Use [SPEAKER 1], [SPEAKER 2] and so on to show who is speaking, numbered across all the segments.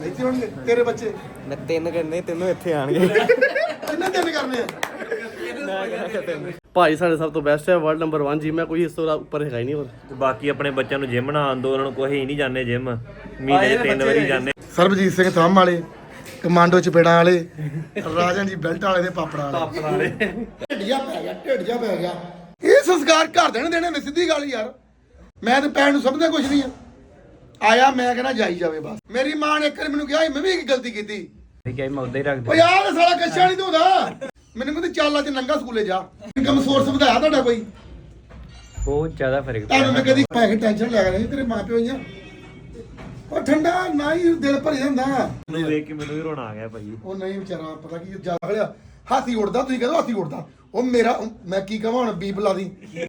[SPEAKER 1] ਇੱਥੇ ਹੋਣਗੇ ਤੇਰੇ ਬੱਚੇ?
[SPEAKER 2] ਮੈਂ 3 ਕਰਨੇ, 3 ਇੱਥੇ ਆਣਗੇ।
[SPEAKER 1] ਕਿੰਨੇ 3 ਕਰਨੇ ਆ?
[SPEAKER 2] ਮੈਂ ਕਿਹਾ 3
[SPEAKER 3] ਭਾਈ ਸਾਡੇ ਸਭ ਤੋਂ ਬੈਸਟ ਹੈ, ਵਰਲਡ ਨੰਬਰ 1 ਜਿਮ ਹੈ, ਕੋਈ ਇਸ ਤੋਂ ਉੱਪਰ ਹੈਗਾ ਹੀ ਨਹੀਂ ਹੋਰ।
[SPEAKER 4] ਤੇ ਬਾਕੀ ਆਪਣੇ ਬੱਚਿਆਂ ਨੂੰ ਜਿਮ ਨਾ ਆਂਦੋ, ਉਹਨਾਂ ਨੂੰ ਕੋਈ ਹੀ ਨਹੀਂ ਜਾਂਦੇ ਜਿਮ, ਮਹੀਨੇ 'ਚ 3 ਵਾਰੀ ਜਾਂਦੇ।
[SPEAKER 1] ਸਰਬਜੀਤ ਸਿੰਘ ਥੰਮ ਵਾਲੇ, ਕਮਾਂਡੋ ਚਪੇੜਾਂ ਵਾਲੇ, ਰਾਜਨ ਜੀ ਬੈਲਟ ਵਾਲੇ ਦੇ ਪਾਪੜਾਂ ਵਾਲੇ। ਢਿੱਡ ਜਾ ਪੈ ਗਿਆ। ਇਹ ਸੰਸਕਾਰ ਘਰ ਦੇਣੇ ਨੇ, ਸਿੱਧੀ ਗੱਲ ਯਾਰ। ਮੈਂ ਤੇ ਪੈਣ ਨੂੰ ਸਮਝਦਾ ਕੁਝ ਨਹੀਂ ਆ। ਆਇਆ ਮੈਂ ਕਹਿੰਦਾ ਜਾਈ ਜਾਵੇ ਬਸ। ਮੇਰੀ ਮਾਂ ਨੇ ਇੱਕ ਵਾਰ ਮੈਨੂੰ ਕਿਹਾ ਮੈਂ ਵੀ ਇੱਕ ਗਲਤੀ ਕੀਤੀ।
[SPEAKER 4] ਠੀਕ ਹੈ, ਮੈਂ ਉਦਾਂ ਹੀ ਰੱਖ
[SPEAKER 1] ਓ ਯਾਰ ਸਾਲਾ ਕੱਛਾ ਨਹੀਂ ਧੋਦਾ। ਮੈਨੂੰ ਕਹਿੰਦੇ ਚੱਲ ਅੱਜ ਨੰਗਾ ਸਕੂਲੇ ਜਾ। ਇਨਕਮ ਸੋਰਸ ਵਧਾਇਆ ਤੁਹਾਡਾ ਕੋਈ?
[SPEAKER 4] ਬਹੁਤ ਜ਼ਿਆਦਾ ਫਰਕ
[SPEAKER 1] ਤੁਹਾਨੂੰ ਮੈਂ ਕਦੀ ਪੈਸੇ ਟੈਨਸ਼ਨ ਲੈ ਰਿਹਾ ਤੇਰੇ ਮਾਂ ਪਿਓ ਆ। ਉਹ ਠੰਡਾ ਨਾ ਹੀ ਦਿਲ ਭਰ ਜਾਂਦਾ।
[SPEAKER 4] ਮੈਨੂੰ ਵੇਖ ਕੇ ਮੈਨੂੰ ਵੀ ਰੋਣਾ ਆ ਗਿਆ ਭਾਈ।
[SPEAKER 1] ਉਹ ਨਹੀਂ ਵਿਚਾਰਾ ਪਤਾ ਕੀ ਜ਼ਿਆਦਾ ਖੜਿਆ ਹਾਥੀ ਉੜਦਾ। ਤੁਸੀਂ ਕਹਿੰਦੇ ਹਾਥੀ ਉੜਦਾ। ਉਹ ਮੇਰਾ ਮੈਂ ਕੀ ਕਹਾਂ ਹੁਣ ਬੀਬ ਲਾ ਦੀ।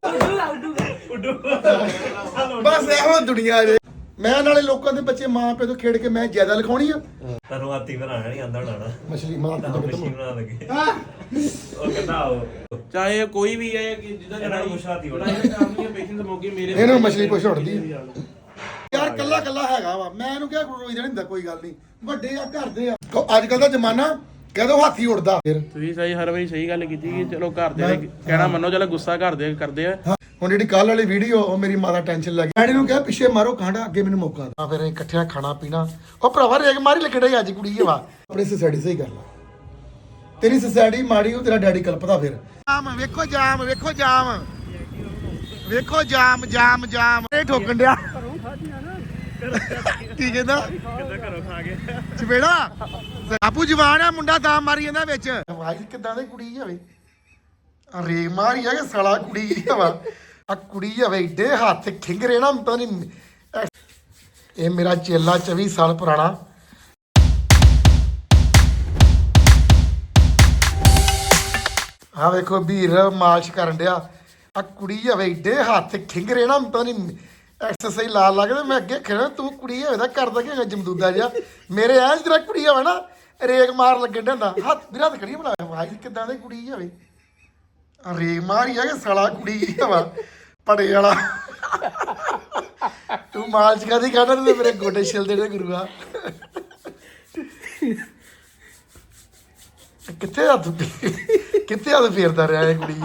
[SPEAKER 1] ਬਸ ਇਹੋ ਦੁਨੀਆ ਜੇ। ਮੈਂ ਨਾਲੇ ਲੋਕਾਂ ਦੇ ਬੱਚੇ ਮਾਂ ਪਿਓ ਤੋਂ ਖੇਡ ਕੇ ਮੈਂ ਜ਼ਿਆਦਾ ਲਿਖਾਉਣੀ ਆ।
[SPEAKER 4] ਤੁਹਾਨੂੰ ਹਾਥੀ ਬਣਾਉਣਾ ਨਹੀਂ ਆਂਦਾ ਬਣਾਉਣਾ।
[SPEAKER 1] ਮਛਲੀ ਮਾਂ
[SPEAKER 4] ਮਸ਼ੀਨ ਬਣਾ ਲਗੇ ਉਹ ਕਹਿੰਦਾ ਆਓ
[SPEAKER 3] ਚਾਹੇ ਕੋਈ ਵੀ ਹੈ ਕਿ ਜਿਹਦਾ
[SPEAKER 4] ਇਹਨਾਂ ਨੂੰ ਕੁਛ ਹਾਥੀ ਹੋਣਾ।
[SPEAKER 3] ਪੇਸ਼ੈਂਸ ਮੌਕੇ ਮੇਰੇ
[SPEAKER 1] ਇਹਨੂੰ ਮਛਲੀ ਪੁੱਛ ਉੱਡਦੀ ਯਾਰ। ਕੱਲਾ ਕੱਲਾ ਹੈਗਾ ਵਾ। ਮੈਂ ਇਹਨੂੰ ਕਿਹਾ ਰੋਈ ਜਾਣੀ ਹੁੰਦਾ, ਕੋਈ ਗੱਲ ਨਹੀਂ। ਵੱਡੇ ਆ ਘਰ ਦੇ ਆ। ਅੱਜ ਕੱਲ ਦਾ ਜ਼ਮਾਨਾ ਕਹਦੋ ਹਾਥੀ ਉੜਦਾ।
[SPEAKER 3] ਤੁਸੀਂ ਸਹੀ ਹਰ ਵਾਰੀ ਸਹੀ ਗੱਲ ਕੀਤੀ ਕਿ ਚਲੋ ਘਰ ਦੇ ਕਹਿਣਾ ਮੰਨੋ, ਚਲੋ ਗੁੱਸਾ ਘਰ ਦੇ ਕਰਦੇ ਆ।
[SPEAKER 1] ਹੁਣ ਜਿਹੜੀ ਕੱਲ ਵਾਲੀ ਵੀਡੀਓ ਉਹ ਮੇਰੀ ਮਾਂ ਦਾ ਟੈਨਸ਼ਨ ਲੱਗ ਗਈ। ਡੈਡੀ ਨੂੰ ਕਿਹਾ ਪਿੱਛੇ ਮਾਰੋ ਕਾਂਡਾ, ਅੱਗੇ ਮੈਨੂੰ ਮੌਕਾ ਦਿਓ। ਫਿਰ ਇਕੱਠਿਆਂ ਖਾਣਾ ਪੀਣਾ। ਉਹ ਭਰਾਵਾ ਰੇਗ ਮਾਰੀ ਲੱਗੜਾ ਅੱਜ ਕੁੜੀ ਵਾ। ਆਪਣੀ ਸੋਸਾਇਟੀ ਸਹੀ ਕਰ ਲਾ। ਤੇਰੀ ਸੋਸਾਇਟੀ ਮਾੜੀ, ਉਹ ਤੇਰਾ ਡੈਡੀ ਕਲਪਦਾ। ਫਿਰ ਜਾਮ ਵੇਖੋ, ਜਾਮ ਵੇਖੋ, ਜਾਮ ਵੇਖੋ, ਜਾਮ ਜਾਮ ਜਾਮ ਇਹ ਠੋਕਣ ਡਿਆ। ਕੀ ਕਹਿੰਦਾ?
[SPEAKER 4] ਘਰੋਂ ਖਾ ਗਿਆ
[SPEAKER 1] ਚਪੇੜਾ ਆਪੂ ਜਵਾਨ ਆ ਮੁੰਡਾ ਤਾਂ ਮਾਰੀ ਜਾਂਦਾ ਵਿੱਚ। ਵਾਹ ਕਿੱਦਾਂ ਦੀ ਕੁੜੀ ਹੋਵੇ। ਰੇਗ ਮਾਰੀ ਆ ਕਿ ਸਾਲਾ ਕੁੜੀ ਵਾ। ਆ ਕੁੜੀ ਹੋਵੇ ਏਡੇ ਹੱਥ ਖਿੰਗਰੇ ਨਾ ਪਤਾ ਨਹੀਂ। ਇਹ ਮੇਰਾ ਚੇਲਾ 24 ਸਾਲ ਪੁਰਾਣਾ। ਆ ਵੇਖੋ ਵੀਰ ਮਾਲਸ਼ ਕਰਨ ਡਿਆ। ਆ ਕੁੜੀ ਹੋਵੇ ਏਡੇ ਹੱਥ ਖਿੰਗਰੇ ਨਾ ਪਤਾ ਨਹੀਂ ਐਕਸਰਸਾਈਜ਼ ਲਾ ਲੱਗਦੇ। ਮੈਂ ਅੱਗੇ ਖੜਾ ਤੂੰ ਕੁੜੀ ਹੋਵੇ ਤਾਂ ਕਰਦਾ ਕਿ ਜਮਦੂਦਾ ਜਿਹਾ। ਮੇਰੇ ਐ ਜਿਹੜਾ ਕੁੜੀ ਹੋਵੇ ਨਾ ਰੇਗ ਮਾਰ ਲੱਗਣ ਡਿਆ ਹੱਥ ਵੀਰਾ ਤੇ ਖੜੀ ਬਣਾਇਆ। ਵਾਹ ਕਿੱਦਾਂ ਦੀ ਕੁੜੀ ਹੋਵੇ। ਰੇਗ ਮਾਰੀ ਆ ਕਿ ਸਾਲਾ ਕੁੜੀ ਵਾ ਪੜੇ ਵਾਲਾ। ਤੂੰ ਮਾਲਚ ਕਾਦੀ ਕਰਦਾ ਤੇ ਮੇਰੇ ਗੋਡੇ ਛਿਲਦੇ ਨੇ ਗੁਰੂਆ। ਕਿੱਥੇ ਹੱਥ ਫੇਰਦਾ ਰਿਹਾ ਇਹ ਕੁੜੀ।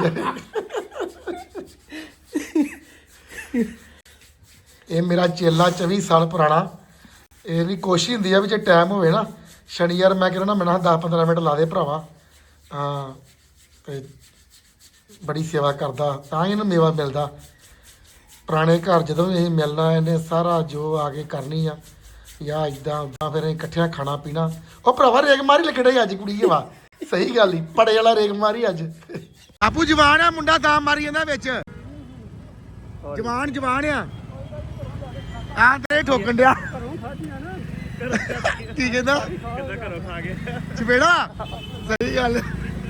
[SPEAKER 1] ਇਹ ਮੇਰਾ ਚੇਲਾ 24 ਸਾਲ ਪੁਰਾਣਾ। ਇਹ ਵੀ ਕੋਸ਼ਿਸ਼ ਹੁੰਦੀ ਆ ਵੀ ਜੇ ਟਾਈਮ ਹੋਵੇ ਨਾ ਸ਼ਨੀਵਾਰ ਮੈਂ ਕਹਿੰਦਾ ਮੈਨੂੰ 10-15 ਮਿੰਟ ਲਾ ਦੇ ਭਰਾਵਾ। ਹਾਂ ਤੇ ਬੜੀ ਸੇਵਾ ਕਰਦਾ ਤਾਂ ਹੀ ਇਹਨੂੰ ਮੇਵਾ ਮਿਲਦਾ। ਪੁਰਾਣੇ ਘਰ ਜਦੋਂ ਇਹ ਮਿਲਣਾ ਇਹਨੇ ਸਾਰਾ ਜੋ ਆ ਕੇ ਕਰਨੀ ਆ ਜਾਂ ਇੱਦਾਂ ਉੱਦਾਂ। ਫਿਰ ਇਕੱਠਿਆਂ ਖਾਣਾ ਪੀਣਾ। ਉਹ ਭਰਾਵਾ ਰੇਗ ਮਾਰੀ ਲੱਗੜਾ ਅੱਜ ਕੁੜੀ ਵਾ। ਸਹੀ ਗੱਲ ਹੀ ਪੜੇ ਵਾਲਾ ਰੇਗ ਮਾਰੀ ਅੱਜ। ਆਪੂ ਜਵਾਨ ਆ ਮੁੰਡਾ ਤਾਂ ਮਾਰੀ ਜਾਂਦਾ ਵਿੱਚ। ਜਵਾਨ ਆ ਆ ਤੇਰੇ ਠੋਕਣ ਡਿਆ। ਕੀ ਕਹਿੰਦਾ?
[SPEAKER 4] ਘਰੋਂ ਖਾ ਗਿਆ
[SPEAKER 1] ਚਪੇੜਾ। ਸਹੀ ਗੱਲ।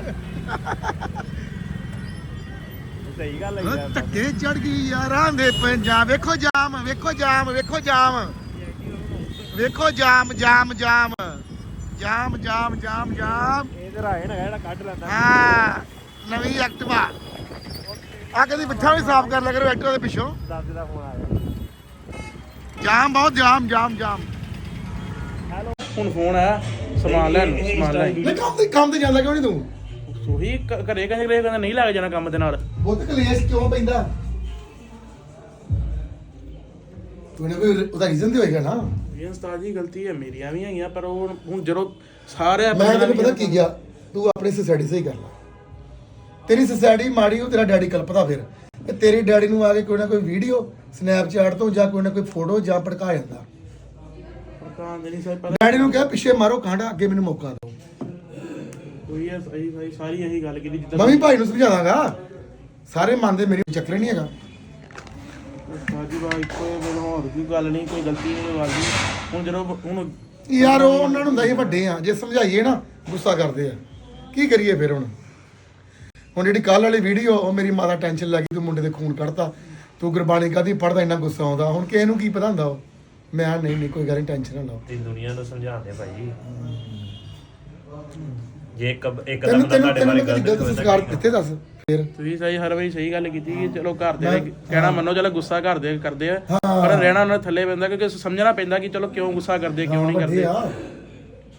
[SPEAKER 4] ਸਹੀ ਗੱਲ ਹੈ।
[SPEAKER 1] ਧੱਕੇ ਚੜ ਗਈ ਯਾਰਾਂ ਦੇ ਪੰਜਾਬ। ਵੇਖੋ ਜਾਮ ਵੇਖੋ, ਜਾਮ ਵੇਖੋ, ਜਾਮ ਵੇਖੋ, ਜਾਮ ਜਾਮ ਜਾਮ ਜਾਮ ਜਾਮ ਜਾਮ ਜਾਮ।
[SPEAKER 4] ਇਹ ਰਾਇਣ ਹੈਗਾ ਜਿਹੜਾ ਕੱਢ ਲੈਂਦਾ।
[SPEAKER 1] ਹਾਂ ਨਵੀਂ ਐਕਟਿਵਾ ਆ ਕਦੀ ਪਿੱਛਾ ਵੀ ਸਾਫ਼ ਕਰ ਲਿਆ ਕਰੋ ਐਕਟਿਵਾ ਦੇ ਪਿੱਛੋਂ।
[SPEAKER 4] ਦਾਦੇ ਦਾ ਫੋਨ ਆਇਆ।
[SPEAKER 1] ਜਾਮ ਬਹੁਤ ਜਾਮ ਜਾਮ ਜਾਮ।
[SPEAKER 3] ਹੁਣ ਫੋਨ ਆਇਆ ਸਮਾਨ ਲੈਣ
[SPEAKER 1] ਲੈ ਕੰਮ ਤੇ ਜਾਂਦਾ ਕਿਉਂ ਨਹੀਂ ਤੂੰ?
[SPEAKER 3] ਉਹੀ ਘਰੇ ਕਹਿੰਦਾ ਨਹੀਂ ਲੱਗ ਜਾਣਾ ਕੰਮ ਦੇ ਨਾਲ।
[SPEAKER 1] ਬਹੁਤ ਕਲੇਸ਼ ਕਿਉਂ ਪੈਂਦਾ? ਤੂੰ ਨੇ ਕੋਈ ਉਹਦਾ ਰੀਜ਼ਨ ਤੇ ਹੋਏਗਾ ਨਾ।
[SPEAKER 3] ਇਹ ਉਸਤਾਦ ਜੀ ਗਲਤੀ ਹੈ ਮੇਰੀਆਂ ਵੀ ਹੈਗੀਆਂ, ਪਰ ਉਹ ਹੁਣ ਜਦੋਂ ਸਾਰੇ
[SPEAKER 1] ਮੈਂ ਤੈਨੂੰ ਪਤਾ ਕੀ ਗਿਆ, ਤੂੰ ਆਪਣੀ ਸੋਸਾਇਟੀ ਸਹੀ ਕਰ ਲੈ। ਤੇਰੀ ਸੋਸਾਇਟੀ ਮਾੜੀ, ਉਹ ਤੇਰਾ ਡੈਡੀ ਕਲਪਦਾ। ਫਿਰ ਤੇ ਤੇਰੇ ਡੈਡੀ ਨੂੰ ਆ ਕੇ ਕੋਈ ਨਾ ਕੋਈ ਵੀਡੀਓ ਸਨੈਪਚੈਟ ਤੋਂ ਜਾਂ ਕੋਈ ਨਾ ਕੋਈ ਫੋਟੋ ਜਾਂ ਭੜਕਾ ਜਾਂਦਾ। ਡੈਡੀ ਨੂੰ ਕਿਹਾ ਪਿੱਛੇ ਮਾਰੋ ਕਾਂਡਾ, ਅੱਗੇ ਮੈਨੂੰ ਮੌਕਾ ਦਿਓ।
[SPEAKER 3] ਕੋਈ ਹੈ ਸਾਰੀ ਇਹੀ ਗੱਲ ਕੀਤੀ ਜਿੱਦਾਂ
[SPEAKER 1] ਮੈਂ ਵੀ ਭਾਈ ਨੂੰ ਸਮਝਾ ਦਾਂਗਾ। ਸਾਰੇ ਮੰਨਦੇ, ਮੇਰੀ ਚੱਕਰ ਨਹੀਂ ਹੈਗਾ।
[SPEAKER 3] ਸਾਜੀ ਬਾਈ ਕੋਈ ਮੈਨੂੰ ਹੋਰ ਕੋਈ ਗੱਲ ਨਹੀਂ, ਕੋਈ ਗਲਤੀ ਨਹੀਂ, ਕੋਈ ਗੱਲ ਨਹੀਂ। ਹੁਣ ਜਦੋਂ ਹੁਣ
[SPEAKER 1] ਯਾਰ ਉਹ ਉਹਨਾਂ ਨੂੰ ਹੁੰਦਾ ਸੀ ਵੱਡੇ ਆ, ਜੇ ਸਮਝਾਈਏ ਨਾ ਗੁੱਸਾ ਕਰਦੇ ਆ। ਕੀ ਕਰੀਏ ਫਿਰ ਹੁਣ ਜਿਹੜੀ ਕੱਲ ਵਾਲੀ ਵੀਡੀਓ ਉਹ ਮੇਰੀ ਮਾਂ ਦਾ ਟੈਨਸ਼ਨ ਲੱਗੀ। ਤੂੰ ਮੁੰਡੇ ਦੇ ਖੂਨ ਕੱਢਤਾ, ਤੂੰ ਗੁਰਬਾਣੀ ਕਾਹਦੀ ਪੜ੍ਹਦਾ, ਇੰਨਾ ਗੁੱਸਾ ਆਉਂਦਾ। ਹੁਣ ਕਿਸੇ ਨੂੰ ਕੀ ਪਤਾ ਹੁੰਦਾ। ਉਹ ਮੈਂ ਨਹੀਂ ਕੋਈ ਗੱਲ ਨਹੀਂ, ਟੈਨਸ਼ਨ ਨਾ ਲਓ।
[SPEAKER 4] ਤੇ ਦੁਨੀਆ ਨੂੰ ਸਮਝਾਉਂਦੇ ਭਾਈ। ਜੇ ਇੱਕ ਇੱਕ
[SPEAKER 1] ਤੈਨੂੰ
[SPEAKER 4] ਦਮ ਤੁਹਾਡੇ ਬਾਰੇ
[SPEAKER 1] ਗਲਤ ਸੰਸਕਾਰ ਕਿੱਥੇ ਦੱਸ। ਫਿਰ
[SPEAKER 3] ਤੁਸੀਂ ਸਹੀ ਹਰ ਵਾਰੀ ਸਹੀ ਗੱਲ ਕੀਤੀ ਕਿ ਚਲੋ ਘਰ ਦੇ ਕਹਿਣਾ ਮੰਨੋ, ਚਲੋ ਗੁੱਸਾ ਘਰ ਦੇ ਕਰਦੇ ਆ, ਪਰ ਰਹਿਣਾ ਉਹਨਾਂ ਥੱਲੇ ਪੈਂਦਾ ਕਿਉਂਕਿ ਸਮਝਣਾ ਪੈਂਦਾ ਕਿ ਚਲੋ ਕਿਉਂ ਗੁੱਸਾ ਕਰਦੇ, ਕਿਉਂ ਨਹੀਂ ਕਰਦੇ।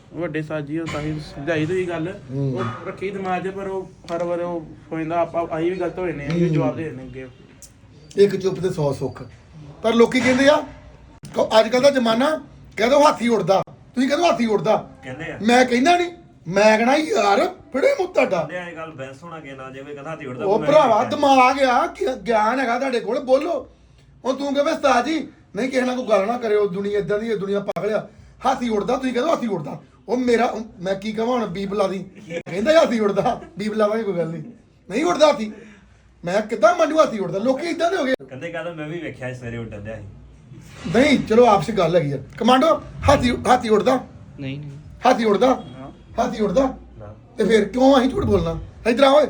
[SPEAKER 3] ਵੱਡੇ ਸਾਜੀ ਉਹ ਤਾਂ ਹੀ ਸਮਝਾਈ ਤੁਸੀਂ ਗੱਲ ਉਹ ਰੱਖੀ ਦਿਮਾਗ 'ਚ ਪਰ ਉਹ ਹਰ ਵਾਰ ਉਹ ਹੋ ਜਾਂਦਾ ਆਪਾਂ ਅਸੀਂ ਵੀ ਗਲਤ ਹੋ ਜਾਂਦੇ ਆ ਅਸੀਂ ਵੀ ਜਵਾਬ ਦੇ ਦਿੰਦੇ ਅੱਗੇ
[SPEAKER 1] ਇੱਕ ਚੁੱਪ ਤੇ 100 ਸੁੱਖ। ਪਰ ਲੋਕੀ ਕਹਿੰਦੇ ਆ ਅੱਜ ਕੱਲ ਦਾ ਜ਼ਮਾਨਾ ਕਹਿ ਦੋ ਹਾਥੀ ਉੜਦਾ, ਤੁਸੀਂ ਕਹਿੰਦੇ ਹਾਥੀ ਉੜਦਾ,
[SPEAKER 4] ਕਹਿੰਦੇ ਆ
[SPEAKER 1] ਮੈਂ ਕਹਿੰਦਾ ਨਹੀਂ, ਮੈਂ ਕਹਿਣਾ ਯਾਰ ਫੜੇ ਮੂੰਹ ਤੁਹਾਡਾ।
[SPEAKER 4] ਕਹਿੰਦੇ ਆ ਇਹ ਗੱਲ ਬੈਂਸ ਹੋਣਾ ਕਿ ਨਾ ਜਿਵੇਂ ਕਹਿੰਦਾ ਹਾਥੀ ਉੜਦਾ
[SPEAKER 1] ਉਹ ਭਰਾਵਾ ਦਿਮਾਗ ਆ ਗਿਆਨ ਹੈਗਾ ਤੁਹਾਡੇ ਕੋਲ, ਬੋਲੋ। ਹੁਣ ਤੂੰ ਕਹਵੇਂ ਉਸਤਾਦ ਜੀ ਨਹੀਂ ਕਿਸੇ ਨਾਲ ਕੋਈ ਗੱਲ ਨਾ ਕਰਿਓ, ਦੁਨੀਆ ਇਦਾਂ ਦੀ ਹੈ, ਦੁਨੀਆ ਪਾਗਲ ਆ, ਹਾਥੀ ਉੜਦਾ, ਤੁਸੀਂ ਕਹਿੰਦੇ ਹਾਥੀ ਉੜਦਾ। ਉਹ ਮੇਰਾ ਮੈਂ ਕੀ ਕਹਾਂ ਹੁਣ, ਬੀਬ ਲਾ ਦੀ, ਕਹਿੰਦਾ ਹਾਥੀ ਉੜਦਾ, ਬੀਬ ਲਾਵਾਂਗੇ ਕੋਈ ਗੱਲ ਨਹੀਂ ਉੜਦਾ ਹਾਥੀ। ਮੈਂ ਕਿੱਦਾਂ ਮੰਨੂ ਹਾਥੀ ਉੜਦਾ, ਲੋਕੀ ਇਦਾਂ ਦੇ ਹੋ ਗਏ।
[SPEAKER 4] ਕਹਿੰਦੇ ਮੈਂ ਵੀ ਵੇਖਿਆ ਸਵੇਰੇ ਉੱਡਣ ਦਿਆ ਸੀ।
[SPEAKER 1] ਨਹੀਂ ਚਲੋ ਆਪਸ ਗੱਲ ਹੈਗੀ ਆ। ਕਮਾਂਡੋ ਹਾਥੀ ਉੜਦਾ?
[SPEAKER 2] ਨਹੀਂ
[SPEAKER 1] ਹਾਥੀ ਉੜਦਾ? ਹਾਥੀ ਉੜਦਾ
[SPEAKER 4] ਨਾ
[SPEAKER 1] ਤੇ ਫਿਰ ਕਿਉਂ ਅਸੀਂ ਝੂਠ ਬੋਲਣਾ? ਇਧਰ ਆ ਓਏ,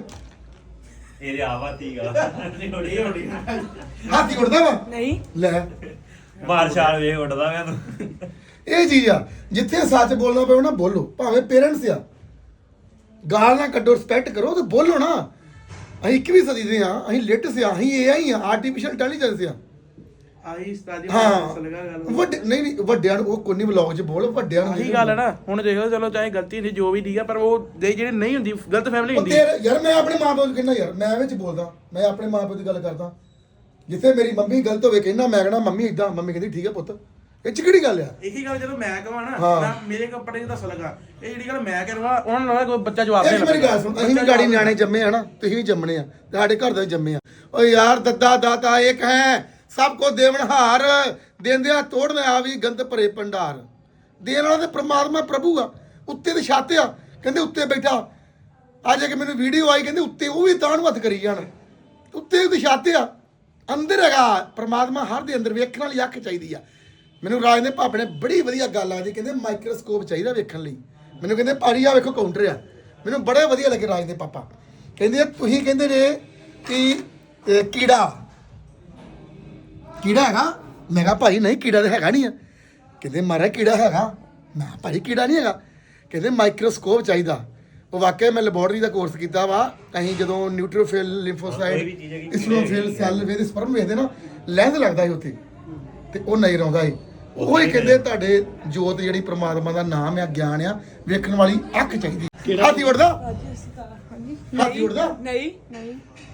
[SPEAKER 4] ਇਹਦੇ ਆਵਾਤੀਗਾ ਨਹੀਂ ਉੜੀ
[SPEAKER 1] ਹਾਥੀ ਉੜਦਾ ਵਾ?
[SPEAKER 5] ਨਹੀਂ
[SPEAKER 1] ਲੈ
[SPEAKER 4] ਮਾਰ ਛਾਲ ਵੇ ਉੱਡਦਾ ਮੈਂ ਤੂੰ।
[SPEAKER 1] ਇਹ ਚੀਜ਼ ਆ ਜਿੱਥੇ ਸੱਚ ਬੋਲਣਾ ਪਵੇ ਨਾ ਬੋਲੋ, ਭਾਵੇਂ ਪੇਰੈਂਟਸ ਆ, ਗਾਲ ਨਾ ਕੱਢੋ, ਰਿਸਪੈਕਟ ਕਰੋ ਤੇ ਬੋਲੋ ਨਾ। ਅਸੀਂ 21ਵੀਂ ਸਦੀ ਦੇ ਆ, ਅਸੀਂ ਲੇਟੈਸਟ ਆ, ਅਸੀਂ AI ਆ, ਆਰਟੀਫੀਸ਼ੀਅਲ ਇੰਟੈਲੀਜੈਂਸ ਆ।
[SPEAKER 3] ਆਹੀ ਉਸਤਾਦ ਜੀ
[SPEAKER 1] ਹਾਂ
[SPEAKER 3] ਲੱਗਾ ਗੱਲ
[SPEAKER 1] ਵੱਡੇ ਨਹੀਂ ਵੱਡਿਆਂ ਨੂੰ ਉਹ ਕੋਈ ਨਹੀਂ ਵਲੌਗ 'ਚ ਬੋਲ, ਵੱਡਿਆਂ ਨੂੰ
[SPEAKER 3] ਆਹੀ ਗੱਲ ਹੈ ਨਾ। ਹੁਣ ਦੇਖੋ ਚਲੋ ਚਾਹੇ ਗਲਤੀ ਹੁੰਦੀ ਜੋ ਵੀ ਠੀਕ ਆ, ਪਰ ਉਹ ਜਿਹੜੇ ਨਹੀਂ ਹੁੰਦੀ ਗਲਤ ਫੈਮਿਲੀ
[SPEAKER 1] ਉਹ
[SPEAKER 3] ਹੁੰਦੀ
[SPEAKER 1] ਤੇਰੇ ਯਾਰ ਮੈਂ ਆਪਣੇ ਮਾਂ ਪਿਓ ਨੂੰ ਕਹਿੰਦਾ ਯਾਰ, ਮੈਂ ਵਿੱਚ ਬੋਲਦਾ, ਮੈਂ ਆਪਣੇ ਮਾਂ ਪਿਓ ਦੀ ਗੱਲ ਕਰਦਾ। ਜਿੱਥੇ ਮੇਰੀ ਮੰਮੀ ਗਲਤ ਹੋਵੇ ਕਹਿੰਦਾ, ਮੈਂ ਕਹਿਣਾ ਮੰਮੀ ਇਦਾਂ, ਮੰਮੀ ਕਹਿੰਦੀ ਠੀਕ ਹੈ ਪੁੱਤ, ਇਹ 'ਚ ਕਿਹੜੀ ਗੱਲ ਆ?
[SPEAKER 3] ਇਹੀ ਗੱਲ ਜਦੋਂ ਮੈਂ ਕਹਾਂ ਨਾ
[SPEAKER 1] ਹਾਂ।
[SPEAKER 3] ਮੈਂ ਮੇਰੇ ਕੱਪੜੇ ਦੱਸ ਲਗਾ, ਇਹ ਜਿਹੜੀ ਗੱਲ ਮੈਂ ਕਰਵਾ ਉਹਨਾਂ ਨਾਲ ਕੋਈ ਬੱਚਾ ਜਵਾਬ
[SPEAKER 1] ਇਹ ਮੇਰੀ ਗੱਲ ਸੁਣ, ਅਸੀਂ ਵੀ ਗਾੜੀ ਨਿਆਣੇ ਜੰਮੇ ਆ ਨਾ, ਤੁਸੀਂ ਵੀ ਜੰਮਣੇ ਆ, ਸਾਡੇ ਘਰ ਦੇ ਜੰਮੇ ਆ। ਓ ਯਾਰ ਦੱਦਾ ਦਾਤਾ ਇੱਕ ਹੈ, ਸਭ ਕੋ ਦੇਵਨਹਾਰ, ਦੇਂਦਿਆਂ ਤੋੜਨ ਆ ਵੀ ਗੰਦ ਭਰੇ ਭੰਡਾਰ। ਦੇਣ ਵਾਲਾ ਤੇ ਪ੍ਰਮਾਤਮਾ ਪ੍ਰਭੂ ਆ, ਉੱਤੇ ਤੇ ਛੱਤ ਆ, ਕਹਿੰਦੇ ਉੱਤੇ ਬੈਠਾ। ਅੱਜ ਇੱਕ ਮੈਨੂੰ ਵੀਡੀਓ ਆਈ, ਕਹਿੰਦੇ ਉੱਤੇ ਉਹ ਵੀ ਤਾਂ ਨੂੰ ਹੱਥ ਕਰੀ ਜਾਣ, ਉੱਤੇ ਉਹਦੀ ਛੱਤ ਆ, ਅੰਦਰ ਹੈਗਾ ਪ੍ਰਮਾਤਮਾ, ਹਰ ਦੇ ਅੰਦਰ ਵੇਖਣ ਵਾਲੀ ਅੱਖ ਚਾਹੀਦੀ ਆ। ਮੈਨੂੰ ਰਾਜ ਦੇ ਭਾਪੇ ਨੇ ਬੜੀ ਵਧੀਆ ਗੱਲ ਆਦੀ, ਕਹਿੰਦੇ ਮਾਈਕਰੋਸਕੋਪ ਚਾਹੀਦਾ ਵੇਖਣ ਲਈ। ਮੈਨੂੰ ਕਹਿੰਦੇ ਭਾਜੀ ਆ ਵੇਖੋ ਕਾਊਂਟਰ ਆ, ਮੈਨੂੰ ਬੜੇ ਵਧੀਆ ਲੱਗੇ ਰਾਜ ਦੇ ਪਾਪਾ। ਕਹਿੰਦੇ ਤੁਸੀਂ ਕਹਿੰਦੇ ਨੇ ਕਿ ਕੀੜਾ ਹੈਗਾ, ਮੈਂ ਕਿਹਾ ਭਾਈ ਨਹੀਂ ਕੀੜਾ ਤਾਂ ਹੈਗਾ ਨਹੀਂ ਆ। ਕਹਿੰਦੇ ਮਹਾਰਾਜ ਕੀੜਾ ਹੈਗਾ, ਮੈਂ ਕਿਹਾ ਭਾਜੀ ਕੀੜਾ ਨਹੀਂ ਹੈਗਾ। ਕਹਿੰਦੇ ਮਾਈਕਰੋਸਕੋਪ ਚਾਹੀਦਾ। ਉਹ ਵਾਕਿਆ ਮੈਂ ਲੈਬੋਰਟਰੀ ਦਾ ਕੋਰਸ ਕੀਤਾ ਵਾ। ਅਸੀਂ ਜਦੋਂ ਨਿਊਟ੍ਰੋਫਿਲ, ਲਿੰਫੋਸਾਈਟ, ਇਸਨੋਫਿਲ, ਸੈੱਲ ਵੇਦੇ, ਸਪਰਮ ਵੇਖਦੇ ਨਾ, ਲੈਂਸ ਲੱਗਦਾ ਸੀ ਉੱਥੇ ਤੇ ਉਹ ਨਜ਼ਰ ਆਉਂਦਾ ਸੀ। ਉਹ ਹੀ ਕਹਿੰਦੇ ਤੁਹਾਡੇ ਜੋਤ ਜਿਹੜੀ ਪ੍ਰਮਾਤਮਾ ਦਾ ਨਾਮ ਆ, ਗਿਆਨ ਆ, ਵੇਖਣ ਵਾਲੀ ਅੱਖ ਚਾਹੀਦੀ। ਹਾਥੀ ਉੜਦਾ? ਹਾਥੀ ਉੜਦਾ?
[SPEAKER 5] ਨਹੀਂ ਨਹੀਂ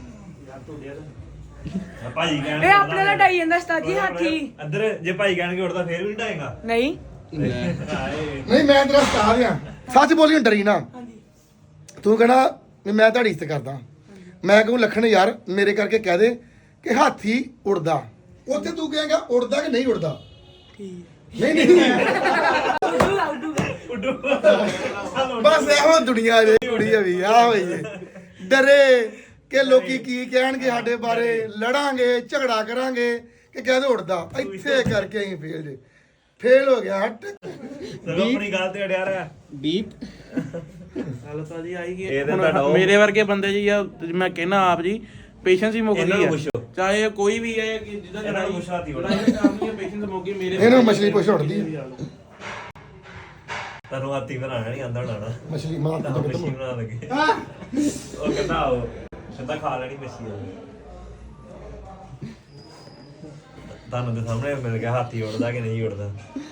[SPEAKER 4] ਭਾਜੀ ਕਹਿਣ
[SPEAKER 5] ਇਹ ਆਪਣੇ ਨਾਲ ਡਾਈ ਜਾਂਦਾ ਉਸਤਾਦ ਜੀ ਹਾਥੀ।
[SPEAKER 4] ਅੰਦਰ ਜੇ ਭਾਈ ਕਹਿਣਗੇ ਉੱਡਦਾ ਫੇਰ ਵੀ ਨਹੀਂ ਢਾਏਗਾ।
[SPEAKER 5] ਨਹੀਂ
[SPEAKER 1] ਨਹੀਂ ਮੈਂ ਤੇਰਾ ਉਸਤਾਦ ਆ, ਸੱਚ ਬੋਲੀ, ਡਰੀ ਨਾ। ਤੂੰ ਕਹਿਣਾ ਵੀ ਮੈਂ ਤੁਹਾਡੀ ਇੱਜ਼ਤ ਕਰਦਾ, ਮੈਂ ਕਹੂੰ ਲੱਖਣ ਯਾਰ ਮੇਰੇ ਕਰਕੇ ਕਹਿ ਦੇ ਕਿ ਹਾਥੀ ਉੜਦਾ, ਉੱਥੇ ਤੂੰ ਕਹੇਗਾ ਉੜਦਾ ਕਿ ਨਹੀਂ ਉੜਦਾ। ਨਹੀਂ ਬਸ ਇਹੋ ਦੁਨੀਆ ਜੇ ਕੁੜੀ ਵੀ ਆ ਹੋਈ ਡਰੇ ਕਿ ਲੋਕੀ ਕੀ ਕਹਿਣਗੇ ਸਾਡੇ ਬਾਰੇ, ਲੜਾਂਗੇ, ਝਗੜਾ ਕਰਾਂਗੇ ਕਿ ਕਹਿੰਦੇ ਉੜਦਾ। ਇੱਥੇ ਕਰਕੇ ਅਸੀਂ ਫੇਲ ਹੋ ਗਿਆ। ਹਟ
[SPEAKER 4] ਆਪਣੀ ਗੱਲ ਤੇ ਅੜਿਆ ਰਿਹਾ
[SPEAKER 2] ਬੀਪ
[SPEAKER 3] ਗੱਲ ਤਾਂ ਜੀ ਆਈ ਕਿ
[SPEAKER 4] ਇਹਦੇ ਤੁਹਾਡਾ ਉਹ-
[SPEAKER 3] ਮੇਰੇ ਵਰਗੇ ਬੰਦੇ ਜੀ ਆ, ਮੈਂ ਕਹਿਣਾ ਆਪ ਜੀ ਪੇਸ਼ੈਂਸ ਹੀ ਮੁੱਕ
[SPEAKER 4] ਇਹਨਾਂ
[SPEAKER 3] ਗਈ
[SPEAKER 4] ਨੂੰ
[SPEAKER 3] ਆ।
[SPEAKER 4] ਪੁੱਛੋ।
[SPEAKER 3] ਚਾਹੇ ਕੋਈ ਵੀ ਹੈ ਕਿ ਜਿੱਦਾਂ
[SPEAKER 4] ਇਹਨਾਂ ਨੂੰ ਪੁੱਛੋ ਹਾਥੀ ਉੜਦਾ।
[SPEAKER 3] ਪੇਸ਼ੈਂਸ ਮੁੱਕ ਗਈ ਮੇਰੇ।
[SPEAKER 1] ਇਹਨਾਂ ਨੂੰ ਮਛਲੀ ਪੁੱਛ ਉੜਦੀ ਆ।
[SPEAKER 4] ਤੁਹਾਨੂੰ ਹਾਥੀ ਬਣਾਉਣਾ ਨਹੀਂ ਆਂਦਾ ਹੋਣਾ ਨਾ,
[SPEAKER 1] ਮਛਲੀ ਮਾਰ
[SPEAKER 4] ਤਾਂ ਮੱਛੀ ਬਣਾ ਲਗੇ। ਉਹ ਕਹਿੰਦਾ ਉਹ ਕਹਿੰਦਾ ਖਾ ਲੈਣੀ ਮੱਛੀ ਉਹ। ਤੁਹਾਨੂੰ ਦੇ ਸਾਹਮਣੇ ਮਿਲ ਗਿਆ ਹਾਥੀ ਉੜਦਾ ਕਿ ਨਹੀਂ ਉੜਦਾ।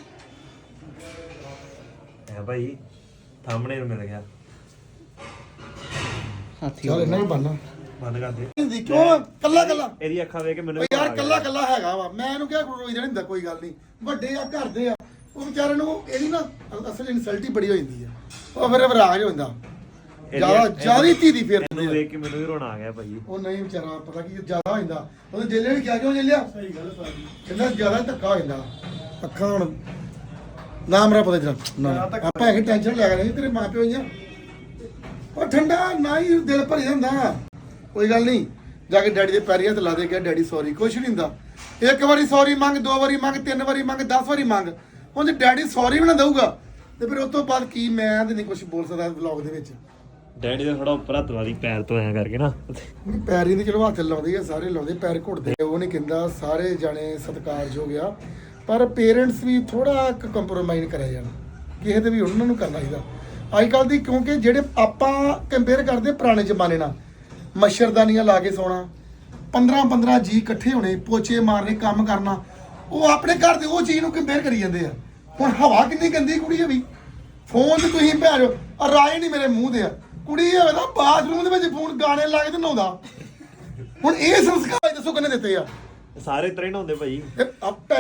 [SPEAKER 4] ਹੈ ਭਾਈ ਸਾਹਮਣੇ ਮਿਲ ਗਿਆ।
[SPEAKER 2] ਹਾਥੀ
[SPEAKER 1] ਚੱਲ ਇਹਨਾਂ ਹੀ ਬਣਨਾ
[SPEAKER 4] ਬੰਦ ਕਰ ਦੇ।
[SPEAKER 1] ਹਿੰਦੀ ਕਿਉਂ ਕੱਲਾ ਕੱਲਾ?
[SPEAKER 4] ਇਹਦੀ ਅੱਖਾਂ ਵੇਖ ਕੇ ਮੈਨੂੰ
[SPEAKER 1] ਓ ਯਾਰ ਕੱਲਾ ਕੱਲਾ ਹੈਗਾ ਵਾ, ਮੈਂ ਇਹਨੂੰ ਕਿਹਾ ਰੋਈ ਜਾਣ ਹੁੰਦਾ, ਕੋਈ ਗੱਲ ਨਹੀਂ, ਵੱਡੇ ਆ ਘਰ ਦੇ ਆ, ਉਹ ਵਿਚਾਰੇ ਨੂੰ ਇਹਦੀ ਨਾ ਅਸਲ ਇਨਸਲਟ ਹੀ ਬੜੀ ਹੋ ਜਾਂਦੀ ਆ, ਉਹ ਫਿਰ ਵਿਰਾਜ ਹੋ ਜਾਂਦਾ ਜਿਆਦਾ ਧੀ ਦੀ ਫਿਰ
[SPEAKER 4] ਇਹਨੂੰ ਵੇਖ ਕੇ ਮੈਨੂੰ ਵੀ ਰੋਣਾ ਆ ਗਿਆ ਭਾਈ।
[SPEAKER 1] ਉਹ ਨਹੀਂ ਵਿਚਾਰਾ ਪਤਾ ਕੀ ਜਿਆਦਾ ਹੋ ਜਾਂਦਾ, ਉਹਦੇ ਜੇਲੇ ਨੇ ਕਿਹਾ ਕਿਉਂ ਜੇਲਿਆ, ਸਹੀ ਗੱਲ ਸਾਡੀ ਕਹਿੰਦਾ ਜਿਆਦਾ ਧੱਕਾ ਹੋ ਜਾਂਦਾ। ਅੱਖਾਂ ਹੁਣ ਨਾ ਮੇਰਾ ਪਤਾ ਜਰਾ ਨਾ ਆਪਾਂ ਹੈਗੇ ਟੈਨਸ਼ਨ ਲੈ ਗਏ ਤੇਰੇ ਮਾਂ ਪਿਓ ਜਾਂ ਉਹ ਠੰਡਾ ਨਾ ਹੀ ਦਿਲ ਭਰੀ ਜਾਂਦਾ। ਕੋਈ ਗੱਲ ਨਹੀਂ, ਜਾ ਕੇ ਡੈਡੀ ਦੇ ਪੈਰੀ ਹੱਥ ਲਾ ਦੇ ਕੇ ਡੈਡੀ ਸੌਰੀ, ਕੁਛ ਨਹੀਂ ਹੁੰਦਾ। ਇੱਕ ਵਾਰੀ ਸੌਰੀ ਮੰਗ, 2 ਵਾਰੀ ਮੰਗ, 3 ਵਾਰੀ ਮੰਗ, 10 ਵਾਰੀ ਮੰਗ। ਹੁਣ ਜੇ ਡੈਡੀ ਸੌਰੀ ਵੀ ਨਾ ਦਊਗਾ ਤੇ ਫਿਰ ਉਸ ਤੋਂ ਬਾਅਦ ਕੀ, ਮੈਂ ਤੇ ਨਹੀਂ ਕੁਝ ਬੋਲ ਸਕਦਾ ਵਲੌਗ ਦੇ ਵਿੱਚ।
[SPEAKER 4] ਡੈਡੀ ਦਾ ਥੋੜਾ ਉੱਪਰ ਹੱਥ ਵਾਲੀ ਪੈਰ ਤੋਂ ਐਂ ਕਰਕੇ ਨਾ
[SPEAKER 1] ਪੈਰ ਹੀ ਨਹੀਂ, ਚਲੋ ਹੱਥ ਲਾਉਂਦੇ ਆ ਸਾਰੇ, ਲਾਉਂਦੇ ਪੈਰ ਘੁੱਟਦੇ, ਉਹ ਨਹੀਂ ਕਹਿੰਦਾ, ਸਾਰੇ ਜਾਣੇ ਸਤਿਕਾਰਯੋਗ ਆ, ਪਰ ਪੇਰੈਂਟਸ ਵੀ ਥੋੜਾ ਕੰਪਰੋਮਾਈਜ਼ ਕਰਿਆ ਜਾਣਾ, ਕਿਸੇ ਦੇ ਵੀ ਉਹਨਾਂ ਨੂੰ ਕਰਨਾ ਚਾਹੀਦਾ ਅੱਜ ਕੱਲ੍ਹ ਦੀ। ਕਿਉਂਕਿ ਜਿਹੜੇ ਆਪਾਂ ਕੰਪੇਅਰ ਕਰਦੇ ਪੁਰਾਣੇ ਜ਼ਮਾਨੇ ਨਾਲ, ਮੱਛਰਦਾਨੀਆਂ ਲਾ ਕੇ ਸੌਣਾ, 15 ਜੀ ਇਕੱਠੇ ਹੋਣੇ, ਪੋਚੇ ਮਾਰਨੇ, ਕੰਮ ਕਰਨਾ, ਉਹ ਆਪਣੇ ਘਰ ਦੇ ਉਹ ਚੀਜ਼ ਨੂੰ ਕੰਪੇਅਰ ਕਰੀ ਜਾਂਦੇ ਆ। ਹੁਣ ਹਵਾ ਕਿੰਨੀ ਗੰਦੀ ਕੁੜੀ ਹੈ ਵੀ, ਫੋਨ ਤੇ ਤੁਸੀਂ ਭੈਣੋ ਆ ਰਾਏ ਨਹੀਂ ਮੇਰੇ ਮੂੰਹ ਦੇ ਆ ਕੁੜੀ ਹੋਵੇ ਨਾ ਬਾਥਰੂਮ ਦੇ ਵਿੱਚ ਫੋਨ ਗਾਣੇ ਲਾ ਕੇ ਤੇ ਨਹਾਉਂਦਾ ਹੁਣ ਇਹ ਸੰਸਕਾਰ ਦੱਸੋ ਕਿੰਨੇ ਦਿੱਤੇ ਆ
[SPEAKER 4] ਸਾਰੇ ਤਰ੍ਹਾਂ ਹੀ ਨਹਾਉਂਦੇ ਭਾਈ
[SPEAKER 1] ਆਪੇ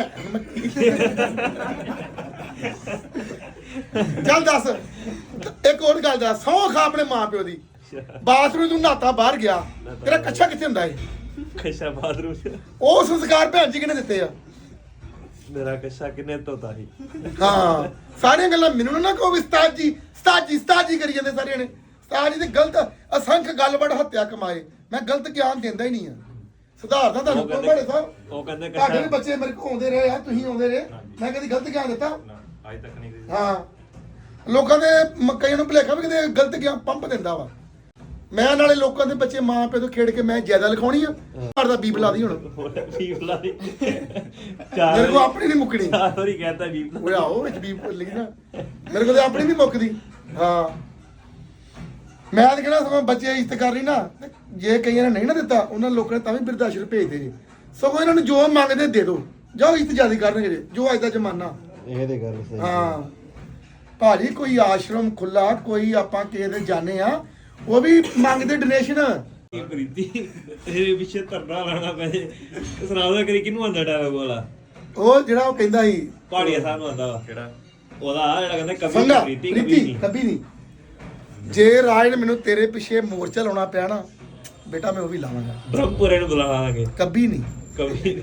[SPEAKER 1] ਚੱਲ ਦੱਸ ਇੱਕ ਹੋਰ ਗੱਲ ਦੱਸ ਸੌ ਖਾ ਆਪਣੇ ਮਾਂ ਪਿਓ ਦੀ ਬਾਥਰੂਮ ਤੂੰ ਨਹਾਤਾ ਬਾਹਰ ਗਿਆ ਤੇਰਾ ਕੱਛਾ ਕਿੱਥੇ ਹੁੰਦਾ ਏ
[SPEAKER 4] ਕੱਛਾ ਬਾਥਰੂਮ
[SPEAKER 1] ਉਹ ਸੰਸਕਾਰ ਭੈਣ ਜੀ ਕਿਹਨੇ ਦਿੱਤੇ ਆ
[SPEAKER 4] ਮੇਰਾ ਕੱਛਾ ਕਿੰਨੇ ਧੋਤਾ ਸੀ
[SPEAKER 1] ਹਾਂ ਸਾਰੀਆਂ ਗੱਲਾਂ ਮੈਨੂੰ ਨਾ ਕਹੋ ਵੀ ਉਸਤਾਦ ਜੀ ਕਰੀ ਜਾਂਦੇ ਸਾਰਿਆਂ ਨੇ ਉਸਤਾਦ ਜੀ ਤੇ ਗਲਤ ਅਸੰਖ ਗੱਲਬਾਤ ਹੱਤਿਆ ਕਮਾਏ ਮੈਂ ਗਲਤ ਗਿਆਨ ਦਿੰਦਾ ਹੀ ਨਹੀਂ ਆ ਸੁਧਾਰਦਾ ਤੁਹਾਨੂੰ ਕੋਈ ਬੜੇ ਸਾਹਿਬ
[SPEAKER 4] ਉਹ ਕਹਿੰਦੇ
[SPEAKER 1] ਤੁਹਾਡੇ ਵੀ ਬੱਚੇ ਮੇਰੇ ਕੋਲ ਆਉਂਦੇ ਰਹੇ ਆ ਤੁਸੀਂ ਆਉਂਦੇ ਰਹੇ ਮੈਂ ਕਦੀ ਗਲਤ ਗਿਆਨ ਦਿੱਤਾ
[SPEAKER 4] ਅੱਜ ਤੱਕ ਨਹੀਂ
[SPEAKER 1] ਹਾਂ ਲੋਕਾਂ ਦੇ ਕਈਆਂ ਨੂੰ ਭੁਲੇਖਾ ਵੀ ਕਿਤੇ ਗਲਤ ਗਿਆਨ ਪੰਪ ਦਿੰਦਾ ਵਾ ਮੈਂ ਨਾਲੇ ਲੋਕਾਂ ਦੇ ਬੱਚੇ ਮਾਂ ਪਿਓ ਤੋਂ ਖੇਡ ਕੇ ਮੈਂ ਜ਼ਿਆਦਾ ਲਿਖਾਉਣੀ ਆ ਘਰ ਦਾ ਬੀਬ ਲਾ ਦੀ ਹੁਣ
[SPEAKER 4] ਬੀਬਲਾ ਦੀ
[SPEAKER 1] ਮੇਰੇ ਕੋਲ ਆਪਣੀ ਨਹੀਂ ਮੁੱਕਣੀ
[SPEAKER 4] ਸਾਰੀ ਕਹਿੰਦਾ ਬੀਬਲਾ
[SPEAKER 1] ਉਹ ਆਓ ਵਿੱਚ ਬੀਬ ਲਿਖੀ ਨਾ ਮੇਰੇ ਕੋਲ ਤੇ ਆਪਣੀ ਨਹੀਂ ਮੁੱਕਦੀ ਹਾਂ ਮੈਂ ਤਾਂ ਕਹਿਣਾ ਸਗੋਂ ਬੱਚੇ ਇੱਜ਼ਤ ਕਰ ਰਹੀ ਨਾ ਤੇ ਜੇ ਕਈਆਂ ਨੇ ਨਹੀਂ ਨਾ ਦਿੱਤਾ ਉਹਨਾਂ ਲੋਕਾਂ ਨੇ ਤਾਂ ਵੀ ਬਿਰਦਾਸ਼ਰ ਭੇਜਦੇ ਜੀ ਸਗੋਂ ਇਹਨਾਂ ਨੂੰ ਜੋ ਮੰਗਦੇ ਦੇ ਦਿਓ ਜਾਓ ਇੱਜ਼ਤ ਜ਼ਿਆਦਾ ਕਰਨਗੇ ਜੀ ਜੋ ਅੱਜ ਦਾ ਜ਼ਮਾਨਾ
[SPEAKER 2] ਇਹ ਤੇ ਗੱਲ ਸਹੀ
[SPEAKER 1] ਹਾਂ ਭਾਜੀ ਕੋਈ ਆਸ਼ਰਮ ਖੁੱਲਾ ਕੋਈ ਆਪਾਂ ਕਿਸੇ ਦੇ ਜਾਣੇ ਆ ਉਹ ਵੀ ਮੰਗਦੇ ਡੋਨੇਸ਼ਨ
[SPEAKER 4] ਪ੍ਰੀਤੀ ਇਹ ਪਿੱਛੇ ਧਰਨਾ ਲਾਣਾ ਪਏ ਸੁਣਾ ਦੋ ਕਰੀ ਕਿਹਨੂੰ ਆਂਦਾ ਡਾਇਲੌਗ ਵਾਲਾ
[SPEAKER 1] ਉਹ ਜਿਹੜਾ ਉਹ ਕਹਿੰਦਾ ਸੀ
[SPEAKER 4] ਪਹਾੜੀਆ ਸਾਹਿਬ ਨੂੰ ਆਂਦਾ ਵਾ ਕਿਹੜਾ ਉਹਦਾ ਜਿਹੜਾ ਕਹਿੰਦਾ ਕਵੀ
[SPEAKER 1] ਸੰਗਾ
[SPEAKER 4] ਪ੍ਰੀਤੀ
[SPEAKER 1] ਪ੍ਰੀਤੀ ਕਭੀ ਨਹੀਂ ਜੇ ਰਾਜ ਨੇ ਮੈਨੂੰ ਤੇਰੇ ਪਿੱਛੇ ਮੋਰਚਾ ਲਾਉਣਾ ਪਿਆ ਨਾ ਬੇਟਾ ਮੈਂ ਉਹ ਵੀ ਲਾਵਾਂਗਾ
[SPEAKER 4] ਬ੍ਰਹਮਪੁਰੇ ਨੂੰ ਬੁਲਾਵਾਂਗੇ
[SPEAKER 1] ਕਭੀ ਨਹੀਂ
[SPEAKER 4] ਕਵੀ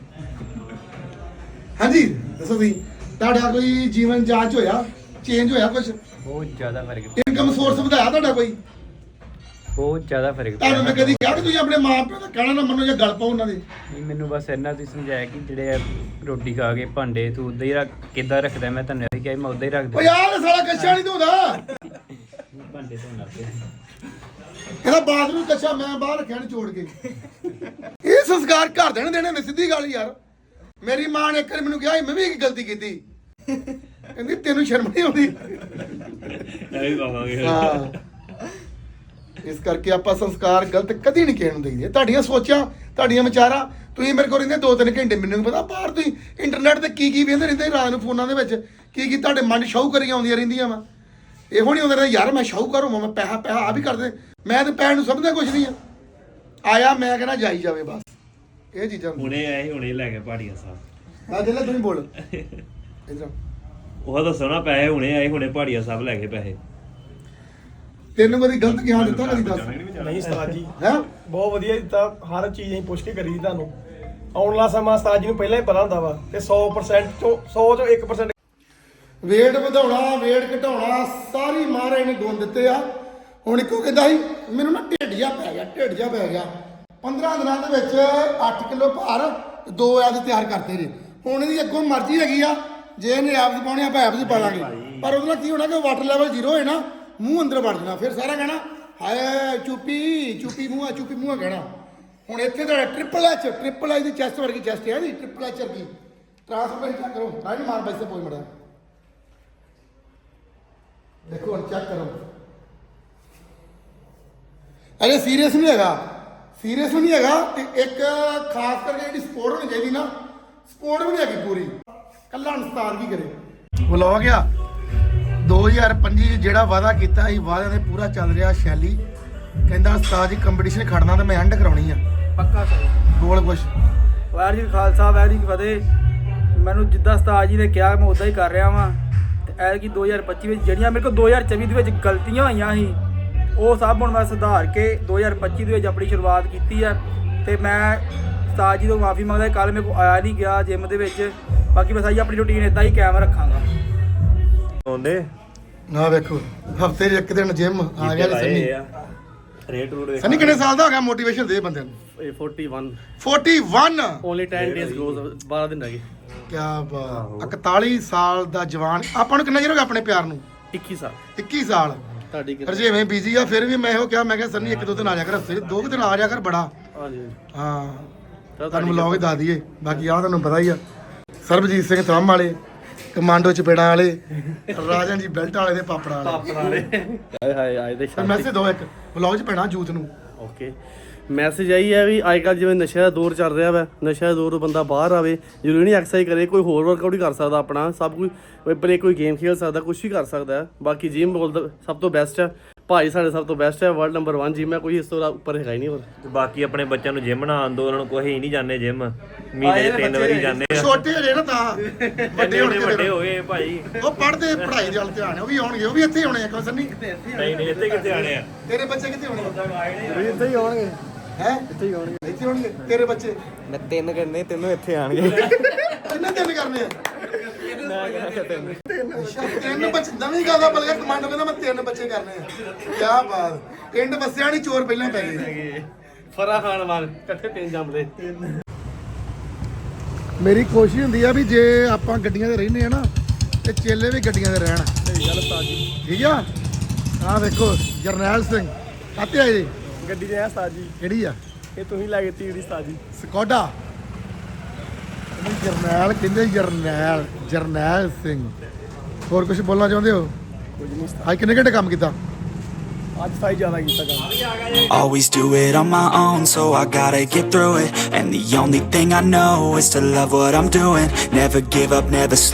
[SPEAKER 1] ਹਾਂਜੀ ਦੱਸੋ ਤੁਸੀਂ ਤੁਹਾਡਾ ਕੋਈ ਜੀਵਨ ਜਾਂਚ ਹੋਇਆ ਚੇਂਜ ਹੋਇਆ ਕੁਝ
[SPEAKER 6] ਬਹੁਤ ਜ਼ਿਆਦਾ ਫਰਕ
[SPEAKER 1] ਇਨਕਮ ਸੋਰਸ ਵਧਾਇਆ ਤੁਹਾਡਾ ਕੋਈ
[SPEAKER 6] ਬਹੁਤ ਜ਼ਿਆਦਾ ਫਰਕ
[SPEAKER 1] ਤੁਹਾਨੂੰ ਮੈਂ ਕਦੀ ਕਿਹਾ ਕਿ ਤੁਸੀਂ ਆਪਣੇ ਮਾਂ ਪਿਓ ਦਾ ਕਹਿਣਾ ਨਾ ਮੰਨੋ ਜਾਂ ਗੱਲ ਪਾਓ ਉਹਨਾਂ ਦੀ
[SPEAKER 6] ਨਹੀਂ ਮੈਨੂੰ ਬਸ ਇਹਨਾਂ ਤੁਸੀਂ ਸਮਝਾਇਆ ਕਿ ਜਿਹੜੇ ਰੋਟੀ ਖਾ ਕੇ ਭਾਂਡੇ ਤੂੰ ਉਦਾਂ ਹੀ ਰੱਖ ਕਿੱਦਾਂ ਰੱਖਦਾ ਮੈਂ ਤੁਹਾਨੂੰ ਇਹ ਕਿਹਾ ਮੈਂ ਉਦਾਂ ਹੀ ਰੱਖ
[SPEAKER 1] ਓ
[SPEAKER 6] ਦਿੰਦਾ
[SPEAKER 1] ਯਾਰ ਸਾਲਾ ਕੱਛਾ ਨਹੀਂ ਧੋਦਾ
[SPEAKER 6] ਭਾਂਡੇ ਧੋਣ ਲੱਗ ਪਿਆ
[SPEAKER 1] ਇਹਦਾ ਬਾਥਰੂਮ ਕੱਛਾ ਮੈਂ ਬਾਹਰ ਰੱਖਿਆ ਨੀ ਛੋੜ ਕੇ ਇਹ ਸੰਸਕਾਰ ਘਰ ਦੇਣੇ ਨੇ ਸਿੱਧੀ ਗੱਲ ਯਾਰ ਮੇਰੀ ਮਾਂ ਨੇ ਇੱਕ ਵਾਰ ਮੈਨੂੰ ਕਿਹਾ ਸੀ, ਮੈਂ ਵੀ ਇੱਕ ਗਲਤੀ ਕੀਤੀ ਕਹਿੰਦੀ ਤੈਨੂੰ ਸ਼ਰਮ ਨਹੀਂ ਆਉਂਦੀ
[SPEAKER 4] ਇਹ ਵੀ ਪਾਵਾਂਗੇ
[SPEAKER 1] ਹਾਂ ਇਸ ਕਰਕੇ ਆਪਾਂ ਸੰਸਕਾਰ ਗਲਤ ਕਦੀ ਨਹੀਂ ਕਹਿਣ ਦੇਈਏ ਤੁਹਾਡੀਆਂ ਸੋਚਾਂ ਤੁਹਾਡੀਆਂ ਵਿਚਾਰਾਂ ਤੁਸੀਂ ਮੇਰੇ ਕੋਲ ਰਹਿੰਦੇ 2-3 ਘੰਟੇ ਮੈਨੂੰ ਨੀ ਪਤਾ ਬਾਹਰ ਤੁਸੀਂ ਇੰਟਰਨੈਟ ਤੇ ਕੀ ਵੇਖਦੇ ਰਹਿੰਦੇ ਰਾਤ ਨੂੰ ਫੋਨਾਂ ਦੇ ਵਿੱਚ ਕੀ ਤੁਹਾਡੇ ਮਨ ਸ਼ਾਹੂਕਾਰੀਆਂ ਆਉਂਦੀਆਂ ਰਹਿੰਦੀਆਂ ਵਾ ਇਹੋ ਨਹੀਂ ਹੁੰਦਾ ਯਾਰ ਮੈਂ ਸ਼ਾਹੂਕਾਰ ਹੋਵਾਂ ਮੈਂ ਪੈਸਾ ਆ ਵੀ ਕਰਦੇ ਮੈਂ ਤੇ ਪੈਣ ਨੂੰ ਸਮਝਦਾ ਕੁਝ ਨਹੀਂ ਆ ਆਇਆ ਮੈਂ ਕਹਿੰਦਾ ਜਾਈ ਜਾਵੇ ਬਸ ਇਹ ਚੀਜ਼ਾਂ
[SPEAKER 4] ਹੁਣੇ ਆਏ ਹੁਣੇ ਲੈ ਕੇ ਪਹਾੜੀਆ ਸਾਹਿਬ
[SPEAKER 1] ਆ ਜਿਹੜਾ ਤੁਸੀਂ ਬੋਲ ਇਧਰ
[SPEAKER 4] ਉਹ ਤਾਂ ਸੋਹਣਾ ਪੈਸੇ ਹੁਣੇ ਆਏ ਹੁਣੇ ਪਹਾੜੀਆ ਸਾਹਿਬ ਲੈ ਕੇ ਪੈਸੇ
[SPEAKER 1] ਤੈਨੂੰ ਕਦੀ ਗਲਤ ਗਿਆਨ ਦਿੱਤਾ ਕਦੀ ਦੱਸ
[SPEAKER 7] ਨਹੀਂ ਉਸਤਾਦ ਜੀ
[SPEAKER 1] ਹੈ
[SPEAKER 7] ਬਹੁਤ ਵਧੀਆ ਦਿੱਤਾ ਹਰ ਚੀਜ਼ ਅਸੀਂ ਪੁੱਛ ਕੇ ਕਰੀ ਦੀ ਤੁਹਾਨੂੰ ਆਉਣ ਵਾਲਾ ਸਮਾਂ ਉਸਤਾਦ ਜੀ ਨੂੰ ਪਹਿਲਾਂ ਹੀ ਪਤਾ ਹੁੰਦਾ ਵਾ ਤੇ 100% ਚੋਂ 100 ਚੋਂ 1%
[SPEAKER 1] ਵੇਟ ਵਧਾਉਣਾ ਵੇਟ ਘਟਾਉਣਾ ਸਾਰੀ ਮਹਾਰਾਜ ਨੇ ਗੁਣ ਦਿੱਤੇ ਆ ਹੁਣ ਇੱਕੋ ਕਹਿੰਦਾ ਸੀ ਮੈਨੂੰ ਨਾ ਢਿੱਡ ਜਿਹਾ ਪੈ ਗਿਆ 15 ਦਿਨਾਂ ਦੇ ਵਿੱਚ 8 ਕਿਲੋ ਭਾਰ 2 ਐਬਸ ਤਿਆਰ ਕਰਤੇ ਜੀ ਹੁਣ ਇਹਦੀ ਅੱਗੋਂ ਮਰਜ਼ੀ ਹੈਗੀ ਆ ਜੇ ਇਹਨੇ ਐਬਸ ਪਾਉਣੇ ਆਪਾਂ ਐਬਸ ਪਾ ਲਾਂਗੇ ਪਰ ਉਹਦੇ ਨਾਲ ਕੀ ਹੋਣਾ ਕਿ ਵਾਟਰ ਲੈਵਲ 0 ਹੋਏ ਨਾ ਮੂੰਹ ਅੰਦਰ ਵੜ ਜਾਣਾ ਫਿਰ ਸਾਰਾ ਕਹਿਣਾ ਹਾਏ ਚੁੱਪੀ ਮੂੰਹਾਂ ਕਹਿਣਾ ਹੁਣ ਇੱਥੇ ਤੁਹਾਡਾ ਟ੍ਰਿਪਲ ਐਚ ਦੀ ਚੈਸਟ ਵਰਗੀ ਚੈਸਟ ਹੈ ਜੀ ਟ੍ਰਿਪਲ ਐਚ ਵਰਗੀ ਟ੍ਰਾਂਸਫਰ ਚੈੱਕ ਕਰੋ ਰਾਜੀ ਮਾਰ ਬੈਸੇ ਪੋਈ ਮੜਾ ਦੇਖੋ ਹੁਣ ਚੈੱਕ ਕਰੋ ਅਰੇ ਸੀਰੀਅਸ ਨਹੀਂ ਹੈਗਾ ਤੇ ਇੱਕ ਖਾਸ ਕਰਕੇ ਜਿਹੜੀ ਸਪੋਰਟ ਹੋਣੀ ਚਾਹੀਦੀ ਨਾ ਸਪੋਰਟ ਵੀ ਨਹੀਂ ਹੈਗੀ ਪੂਰੀ ਕੱਲਾ ਅਨਸਤਾਰ ਕੀ ਕਰੇ ਵਲੌਗ ਆ 2025 ਚ ਜਿਹੜਾ ਵਾਅਦਾ ਕੀਤਾ ਸੀ ਵਾਅਦਿਆਂ ਦੇ ਪੂਰਾ ਚੱਲ ਰਿਹਾ ਸ਼ੈਲੀ ਕਹਿੰਦਾ ਉਸਤਾਦ ਜੀ ਕੰਪੀਟੀਸ਼ਨ ਖੜਨਾ ਤੇ ਮੈਂ ਐਂਡ ਕਰਾਉਣੀ ਆ
[SPEAKER 7] ਪੱਕਾ ਸਹੀ
[SPEAKER 1] ਬੋਲ ਕੁਛ
[SPEAKER 7] ਵਾਹਿਗੁਰੂ ਜੀ ਕਾ ਖਾਲਸਾ ਵਾਹਿਗੁਰੂ ਜੀ ਕੀ ਫਤਿਹ ਮੈਨੂੰ ਜਿੱਦਾਂ ਉਸਤਾਦ ਜੀ ਨੇ ਕਿਹਾ ਮੈਂ ਉਦਾਂ ਹੀ ਕਰ ਰਿਹਾ ਵਾਂ ਤੇ ਐਤਕੀ 2025 ਵਿੱਚ ਜਿਹੜੀਆਂ ਮੇਰੇ ਕੋਲ 2024 ਦੇ ਵਿੱਚ ਗਲਤੀਆਂ ਹੋਈਆਂ ਸੀ ਉਹ ਸਭ ਹੁਣ ਮੈਂ ਸੁਧਾਰ ਕੇ 2025 ਦੇ ਵਿੱਚ ਆਪਣੀ ਸ਼ੁਰੂਆਤ ਕੀਤੀ ਹੈ ਤੇ ਮੈਂ ਉਸਤਾਦ ਜੀ ਤੋਂ ਮਾਫੀ ਮੰਗਦਾ ਕੱਲ ਮੇਰੇ ਕੋਲ ਆਇਆ ਨਹੀਂ ਗਿਆ ਜਿਮ ਦੇ ਵਿੱਚ ਬਾਕੀ ਮੈਂ ਸਾਰੀ ਆਪਣੀ ਰੁਟੀਨ ਇਦਾਂ ਹੀ ਕਾਇਮ ਰੱਖਾਂਗਾ
[SPEAKER 4] ਆਉਂਦੇ
[SPEAKER 1] ਨਾ ਵੇਖੋ ਹਫਤੇ 'ਚ ਇੱਕ ਦਿਨ ਜਿਮ ਆ ਗਿਆ ਸੰਨੀ
[SPEAKER 4] ਰੇਟ ਰੂਟ
[SPEAKER 1] ਸੰਨੀ ਕਿੰਨੇ ਸਾਲ ਦਾ ਹੋ ਗਿਆ ਮੋਟੀਵੇਸ਼ਨ ਦੇ ਬੰਦੇ ਨੂੰ 41
[SPEAKER 7] ਓਨਲੀ 10 ਡੇਜ਼ ਗੋਜ਼ 12 ਦਿਨ ਰਹਿ ਗਏ
[SPEAKER 1] ਕਿਆ ਬਾਤ 41 ਸਾਲ ਦਾ ਜਵਾਨ ਆਪਾਂ ਨੂੰ ਕਿੰਨਾ ਚਿਰ ਹੋ ਗਿਆ ਆਪਣੇ ਪਿਆਰ ਨੂੰ
[SPEAKER 7] 21 ਸਾਲ
[SPEAKER 1] 21 ਸਾਲ
[SPEAKER 7] ਤੁਹਾਡੀ
[SPEAKER 1] ਰਜੇਵੇਂ ਬਿਜ਼ੀ ਆ ਫਿਰ ਵੀ ਮੈਂ ਇਹੋ ਕਿਹਾ ਮੈਂ ਕਿਹਾ ਸੰਨੀ 1-2 ਦਿਨ ਆ ਜਾ ਕਰ ਹਫਤੇ 'ਚ 2 ਦਿਨ ਆ ਜਾ ਕਰ ਬੜਾ
[SPEAKER 7] ਹਾਂਜੀ
[SPEAKER 1] ਹਾਂ ਤੁਹਾਨੂੰ ਵਲੌਗ ਹੀ ਦੱਸ ਦਈਏ ਬਾਕੀ ਆ ਤੁਹਾਨੂੰ ਪਤਾ ਹੀ ਆ ਸਰਬਜੀਤ ਸਿੰਘ ਥੰਮ ਵਾਲੇ ਕਮਾਂਡੋ ਚਪੇੜਾਂ ਵਾਲੇ ਰਾਜਨ ਜੀ ਬੈਲਟ ਵਾਲੇ ਦੇ ਪਾਪੜਾ ਵਾਲੇ
[SPEAKER 7] ਹਾਏ ਹਾਏ ਆਏ ਦੇ
[SPEAKER 1] ਮੈਸੇਜ ਦੋ ਇੱਕ ਵਲੌਗ 'ਚ ਪੈਣਾ ਜੂਤ ਨੂੰ
[SPEAKER 7] ਓਕੇ
[SPEAKER 8] ਮੈਸੇਜ ਆਈ ਹੈ ਵੀ ਅੱਜ ਕੱਲ੍ਹ ਜਿਵੇਂ ਨਸ਼ੇ ਦਾ ਦੌਰ ਚੱਲ ਰਿਹਾ ਵਾ, ਨਸ਼ੇ ਦਾ ਦੌਰ ਤੋਂ ਬੰਦਾ ਬਾਹਰ ਆਵੇ, ਜ਼ਰੂਰੀ ਨਹੀਂ ਐਕਸਰਸਾਈਜ਼ ਕਰੇ, ਕੋਈ ਹੋਰ ਵਰਕਆਊਟ ਹੀ ਕਰ ਸਕਦਾ ਆਪਣਾ, ਸਭ ਕੁਝ ਬਲੇ ਕੋਈ ਗੇਮ ਖੇਡ ਸਕਦਾ, ਕੁਝ ਵੀ ਕਰ ਸਕਦਾ ਹੈ। ਬਾਕੀ ਜਿਮ ਬੋਲਦਾ ਸਭ ਤੋਂ ਬੈਸਟ ਹੈ, ਭਾਈ ਸਾਡੇ ਸਭ ਤੋਂ ਬੈਸਟ ਹੈ, ਵਰਲਡ ਨੰਬਰ 1 ਜਿਮ ਹੈ, ਕੋਈ ਇਸ ਤੋਂ ਉੱਪਰ ਹੈਗਾ ਹੀ ਨਹੀਂ ਹੋਰ।
[SPEAKER 4] ਬਾਕੀ ਆਪਣੇ ਬੱਚਿਆਂ ਨੂੰ ਜਿਮ ਨਾ ਆਂਦੋ, ਉਹਨਾਂ ਨੂੰ ਕੋਈ ਨਹੀਂ ਜਾਂਦੇ ਜਿਮ, ਮਹੀਨੇ 'ਚ 3 ਵਾਰੀ ਜਾਂਦੇ ਆ।
[SPEAKER 1] ਛੋਟੇ ਹਜੇ ਨਾ ਤਾਂ ਵੱਡੇ ਹੋਣਗੇ
[SPEAKER 4] ਵੱਡੇ ਹੋ ਗਏ ਭਾਈ,
[SPEAKER 1] ਉਹ ਪੜ੍ਹਦੇ ਪੜ੍ਹਾਈ ਦੇ ਵੱਲ ਧਿਆਨ ਹੈ, ਉਹ ਵੀ ਆਉਣਗੇ, ਉਹ ਵੀ ਇੱਥੇ ਹੀ ਆਉਣੇ ਆ ਕਿਉਂ ਸੰਨੀ?
[SPEAKER 4] ਨਹੀਂ ਇੱਥੇ ਕਿੱਥੇ ਆਣੇ ਆ।
[SPEAKER 1] ਤੇਰੇ ਬੱਚੇ ਕਿੱਥੇ ਹੋਣਗੇ?
[SPEAKER 2] ਇੱਥੇ ਹੀ ਹੋਣਗੇ,
[SPEAKER 1] ਹੈ
[SPEAKER 2] ਇੱਥੇ ਹੀ ਹੋਣਗੇ।
[SPEAKER 1] ਇੱਥੇ ਹੋਣਗੇ ਤੇਰੇ ਬੱਚੇ?
[SPEAKER 2] ਮੈਂ 3 ਕਰਨੇ, ਤਿੰਨੋਂ ਇੱਥੇ ਆਣਗੇ।
[SPEAKER 1] ਕਿੰਨੇ ਦਿਨ ਕਰਨੇ ਆ?
[SPEAKER 2] ਮੈਂ ਕਿਹਾ ਤਿੰਨ।
[SPEAKER 1] ਤਿੰਨ ਬੱਚੇ ਨਵੀਂ ਗੱਲ ਦਾ ਬਲਗਾ ਕਮਾਂਡੋ ਕਹਿੰਦਾ ਮੈਂ 3 ਬੱਚੇ ਕਰਨੇ ਆ। ਕੀ ਬਾਤ, ਪਿੰਡ ਵਸਿਆ ਨਹੀਂ, ਚੋਰ ਪਹਿਲਾਂ ਪੈ ਗਏ।
[SPEAKER 8] ਫਰਾ ਖਾਨ ਵਾਲ ਇਕੱਠੇ 3 ਜੰਮਦੇ।
[SPEAKER 1] ਮੇਰੀ ਕੋਸ਼ਿਸ਼ ਹੁੰਦੀ ਆ ਵੀ ਜੇ ਆਪਾਂ ਗੱਡੀਆਂ ਤੇ ਰਹਿੰਦੇ ਆ ਨਾ ਤੇ ਚੇਲੇ ਵੀ ਗੱਡੀਆਂ ਤੇ ਰਹਿਣ।
[SPEAKER 8] ਸਹੀ ਗੱਲ ਉਸਤਾਦ ਜੀ।
[SPEAKER 1] ਠੀਕ ਆ, ਆਹ ਦੇਖੋ ਜਰਨੈਲ ਸਿੰਘ ਕਾਤੇ ਆਏ ਜੀ?
[SPEAKER 8] ਗੱਡੀ ਤੇ ਆ ਉਸਤਾਦ ਜੀ,
[SPEAKER 1] ਕਿਹੜੀ ਆ?
[SPEAKER 8] ਇਹ ਤੁਸੀਂ ਲੈ ਕੇ ਤੀੜੀ ਉਸਤਾਦ ਜੀ।
[SPEAKER 1] ਸਕੋਡਾ। ਇਹਨੂੰ ਜਰਨੈਲ ਕਹਿੰਦੇ, ਜਰਨੈਲ ਜਰਨੈਲ ਸਿੰਘ। ਹੋਰ ਕੁਝ ਬੋਲਣਾ ਚਾਹੁੰਦੇ ਹੋ?
[SPEAKER 8] ਕੁਝ ਨਹੀਂ ਉਸਤਾਦ,
[SPEAKER 1] ਅੱਜ ਕਿੰਨੇ ਘੰਟੇ ਕੰਮ ਕੀਤਾ?
[SPEAKER 8] ਅੱਜ ਸਾਈ ਜ਼ਿਆਦਾ ਕੀਤਾ ਕੰਮ।
[SPEAKER 9] Always do it on my own, so I gotta get through it. And the only thing I know is to love what I'm doing. Never give up, never